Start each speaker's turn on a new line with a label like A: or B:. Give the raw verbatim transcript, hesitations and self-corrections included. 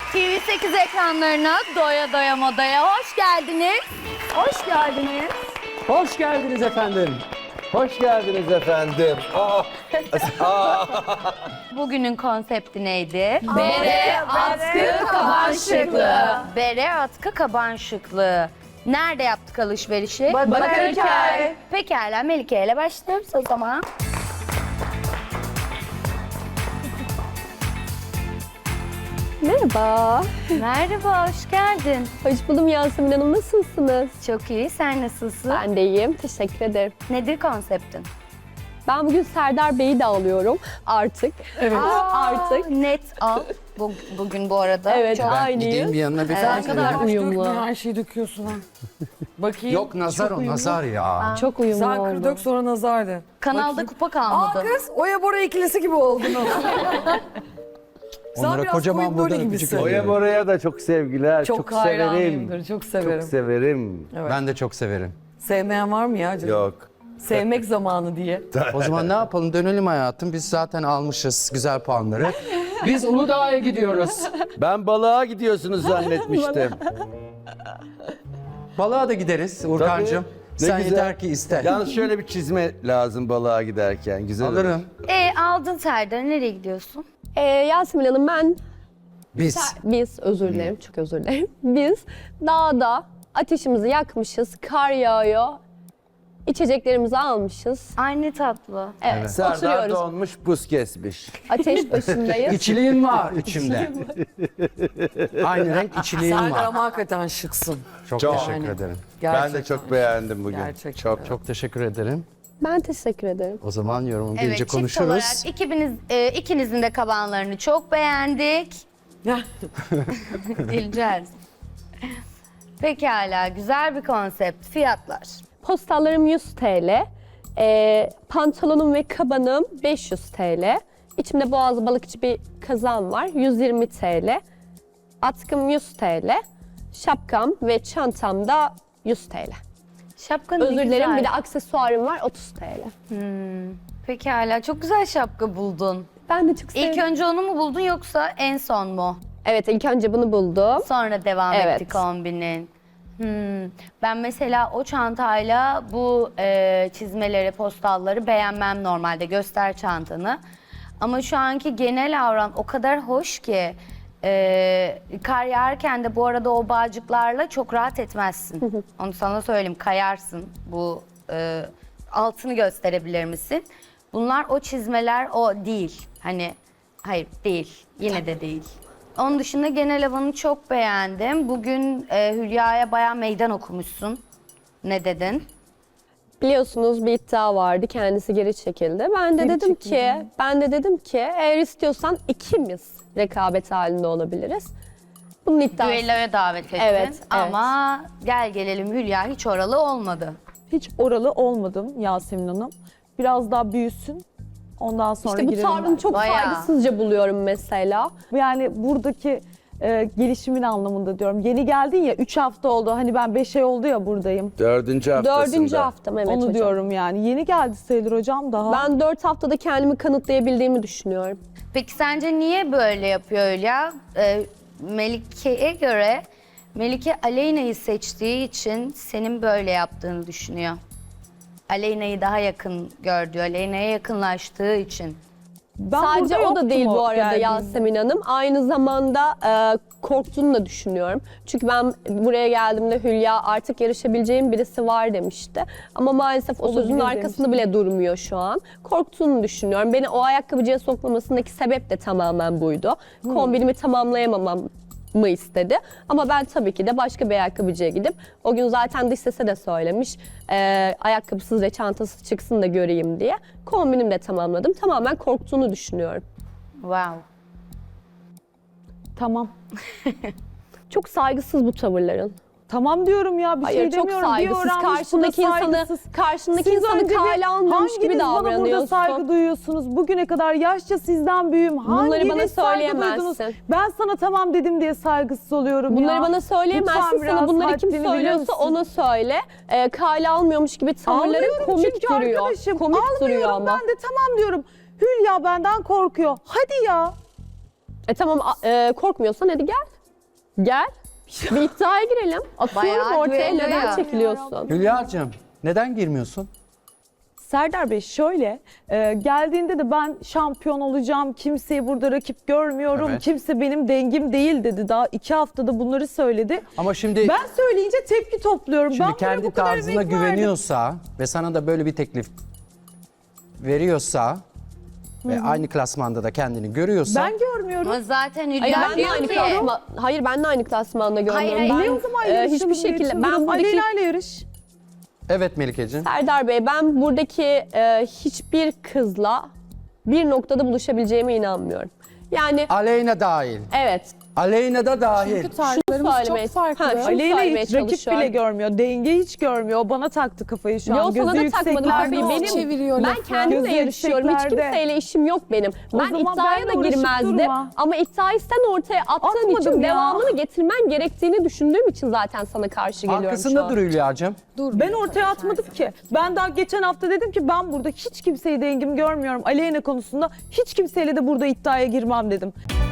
A: T V sekiz ekranlarına doya doya modaya hoş geldiniz. Hoş geldiniz.
B: Hoş geldiniz efendim.
C: Hoş geldiniz efendim. Aa, aa.
A: Bugünün konsepti neydi?
D: Bere, atkı, kaban şıklığı.
A: Bere, atkı, kaban şıklığı. Nerede yaptık alışverişi?
D: Bakırköy.
A: Pekala, Melike ile başlıyoruz o zaman.
D: Merhaba.
A: Merhaba, hoş geldin.
D: Hoş buldum Yasemin Hanım. Nasılsınız?
A: Çok iyi, sen nasılsın?
D: Ben de iyiyim. Teşekkür ederim.
A: Nedir konseptin?
D: Ben bugün Serdar Bey'i de alıyorum artık. Evet. Artık.
A: Net al bu, bugün bu arada.
D: Evet,
A: Çok
D: aynıyız.
B: Gideyim bir yanına bir
A: Evet.
B: tane.
D: Ne kadar uyumlu.
E: Her şeyi döküyorsun ha. Bakayım.
B: Yok nazar o nazar ya.
D: Çok uyumlu
E: Sen
D: oldu.
E: kır dök sonra nazardı.
A: kanalda kupa
E: Aa
A: kalmadı.
E: kız Oya Bora ikilisi gibi oldun. Sen
B: Onlara
E: biraz
B: kocaman
E: koyun
B: buradan
E: böyle
B: öpücük
E: gibisin.
B: ediyorum.
C: Oya Bora'ya da çok sevgiler. Çok,
E: Çok,
C: severim.
E: hayranıyımdır, çok severim.
C: Çok severim.
E: Evet.
B: Ben de çok severim.
E: Sevmeyen var mı ya canım?
C: Yok.
E: Sevmek zamanı diye.
B: O zaman ne yapalım, dönelim hayatım. Biz zaten almışız güzel puanları. Biz Uludağ'a gidiyoruz.
C: Ben balığa gidiyorsunuz zannetmiştim.
B: Balığa da gideriz Urkancığım.
C: Ne
B: Sen
C: güzel.
B: yeter ki iste.
C: Yalnız şöyle bir çizme lazım balığa giderken. Güzel olur.
B: Alırım.
A: E aldın Serdar, nereye gidiyorsun?
D: Ee, Yasemin Hanım ben,
B: Biz.
D: biz özür dilerim, çok özür dilerim. Biz dağda ateşimizi yakmışız, kar yağıyor. İçeceklerimizi almışız.
A: Aynı tatlı.
D: Evet,
C: Serdar
D: oturuyoruz.
C: donmuş, buz kesmiş.
D: Ateş başındayız.
B: İçiliğin var içimde. Aynı renk içiliğin
E: Serdar
B: var.
E: ama hakikaten şıksın.
B: Çok,
C: Çok.
B: teşekkür
E: Yani.
B: ederim.
E: Gerçekten.
C: Ben de çok beğendim bugün.
E: Gerçekten.
C: Çok çok.
B: Çok teşekkür ederim.
D: Ben teşekkür ederim.
B: O zaman yorumum
A: Evet,
B: gelince
A: çift
B: konuşuruz.
A: olarak ikiniz, e, ikinizin de kabanlarını çok beğendik. Dileceğiz. Pekala, güzel bir konsept. Fiyatlar.
D: Postallarım yüz TL, e, pantolonum ve kabanım beş yüz TL. İçimde boğaz balıkçı bir kazağım var, yüz yirmi TL. Atkım yüz TL, şapkam ve çantam da yüz TL.
A: Şapkanı
D: Özür
A: ne
D: dilerim,
A: güzel.
D: bir de aksesuarım var otuz TL.
A: Pekala, çok güzel şapka buldun.
D: Ben de çok sevdim.
A: İlk önce onu mu buldun yoksa en son mu?
D: Evet, ilk önce bunu buldum.
A: Sonra devam
D: Evet.
A: etti kombinin. Hmm. Ben mesela o çantayla bu e, çizmeleri, postalları beğenmem normalde. Göster çantanı. Ama şu anki genel avran o kadar hoş ki e, kar yağarken de bu arada o bağcıklarla çok rahat etmezsin. Onu sana söyleyeyim, kayarsın. Bu e, altını gösterebilir misin? Bunlar o çizmeler o değil. Hani hayır değil. Yine de değil. Onun dışında genel havanı çok beğendim. Bugün e, Hülya'ya bayağı meydan okumuşsun. Ne dedin?
D: Biliyorsunuz bir iddia vardı, kendisi geri çekildi. Ben de dedim ki, ben de dedim ki eğer istiyorsan ikimiz rekabet halinde olabiliriz. Bunun iddiası.
A: Düelloya davet ettin.
D: Evet, evet.
A: Ama gel gelelim Hülya hiç oralı olmadı.
F: Hiç oralı olmadım Yasemin Hanım. Biraz daha büyüsün. Ondan sonra
D: İşte bu
F: girelim
D: tavrını
F: ben.
D: çok
A: Bayağı.
D: saygısızca buluyorum mesela.
F: Yani buradaki e, gelişimin anlamında diyorum. Yeni geldin ya, üç hafta oldu. Hani ben beş ay oldu ya buradayım.
C: Dördüncü haftasında.
D: Dördüncü haftam evet
F: Onu
D: hocam.
F: diyorum yani. Yeni geldi sayılır hocam daha.
D: Ben dört haftada kendimi kanıtlayabildiğimi düşünüyorum.
A: Peki sence niye böyle yapıyor Hülya? Ee, Melike'ye göre Melike Aleyna'yı seçtiği için senin böyle yaptığını düşünüyor. Aleyna'yı daha yakın gördü, Aleyna'ya yakınlaştığı için.
F: Ben
D: Sadece
F: burada
D: o da
F: yoktum
D: değil bu arada
F: geldiğimde.
D: Yasemin Hanım. Aynı zamanda e, korktuğunu da düşünüyorum. Çünkü ben buraya geldiğimde Hülya artık yarışabileceğim birisi var demişti. Ama maalesef o
F: Olabilir
D: sözün arkasında bile durmuyor şu an. Korktuğunu düşünüyorum. Beni o ayakkabıcıya sokmamasındaki sebep de tamamen buydu. Kombinimi tamamlayamamam mı istedi. Ama ben tabii ki de başka bir ayakkabıcıya gidip, o gün zaten dış sese de söylemiş, e, ayakkabısız ve çantasız çıksın da göreyim diye. Kombinimi de tamamladım. Tamamen korktuğunu düşünüyorum.
A: Wow.
F: Tamam.
D: Çok saygısız bu tavırların.
F: Tamam diyorum ya, bir
D: Hayır,
F: şey
D: çok
F: demiyorum.
D: saygısız.
F: Bir öğrenmiş, bu da
D: Karşındaki insanı-
F: saygısız.
D: karşındaki
F: Siz
D: insanı
F: önce bir-
D: kale almıyormuş gibi
F: hanginiz bana burada
D: davranıyorsun?
F: saygı duyuyorsunuz? Bugüne kadar yaşça sizden büyüğüm.
D: Bunları bana
F: Hanginiz saygı
D: söyleyemezsin.
F: duydunuz? Ben sana tamam dedim diye saygısız oluyorum
D: Bunları
F: ya.
D: bana söyleyemezsin.
F: Lütfen
D: Sana
F: biraz
D: bunları kim
F: haddini bilir
D: söylüyorsa
F: misin?
D: ona söyle. Ee, kale almıyormuş gibi tavırların
F: Ağlıyorum
D: komik
F: çünkü
D: duruyor.
F: arkadaşım.
D: Komik
F: Almıyorum
D: duruyor ama.
F: ben de tamam diyorum. Hülya benden korkuyor. Hadi ya.
D: E tamam a- e, korkmuyorsan hadi gel. Gel. Bir iddiaya girelim. Atıyorum
A: Bayağı
D: ortaya,
A: güveniyor
D: neden
A: ya.
D: çekiliyorsun?
B: Hülya'cığım neden girmiyorsun?
F: Serdar Bey şöyle, e, geldiğinde de ben şampiyon olacağım, kimseyi burada rakip görmüyorum,
B: Evet.
F: kimse benim dengim değil dedi. Daha iki haftada bunları söyledi.
B: Ama şimdi
F: Ben söyleyince tepki topluyorum.
B: şimdi
F: ben buraya
B: kendi
F: bu kadar
B: tarzına
F: emek verdim.
B: güveniyorsa ve sana da böyle bir teklif veriyorsa ve aynı klasmanda da kendini görüyorsa
F: Ben görmüyorum.
A: Ama zaten
D: Hayır
A: Hülya
D: ben de
A: diyor
D: aynı
A: ki...
D: klasma, hayır ben de aynı klasmanda görmüyorum.
A: Hayır,
D: Ben,
A: hayır.
F: Ne o zaman
D: e,
F: yarışalım
D: hiçbir
F: diye
D: şekilde ben
F: çıldırdım.
D: buradaki
F: Aleyna ile yarış.
B: evet Melike'ciğim.
D: Serdar Bey, ben buradaki e, hiçbir kızla bir noktada buluşabileceğime inanmıyorum. Yani
B: Aleyna dahil.
D: evet.
B: Aleyna da dahil.
D: Şunu söylemeye, ha, şunu
F: Aleyna
D: söylemeye
F: hiç rakip
D: çalışıyorum.
F: bile görmüyor, denge hiç görmüyor. O bana taktı kafayı şu an.
D: Yo, sana
F: Gözü
D: da takmadım
F: yükseklerde
D: kafayı.
F: o.
D: Benim, ben kendimle
F: Gözü
D: yarışıyorum. Hiç
F: yükseklerde.
D: kimseyle işim yok benim.
F: O
D: Ben
F: zaman
D: iddiaya
F: benle
D: da
F: uğraşıp
D: girmezdim.
F: durma.
D: Ama iddiayı sen ortaya attığın
F: Atmadım
D: için
F: ya.
D: devamını getirmen gerektiğini düşündüğüm için zaten sana karşı geliyorum şu
B: Arkasında
D: an.
B: dur Hülya'cığım.
F: Ben ortaya atmadım ki. Ben daha geçen hafta dedim ki ben burada hiç kimseyi dengim görmüyorum. Aleyna konusunda hiç kimseyle de burada iddiaya girmem dedim.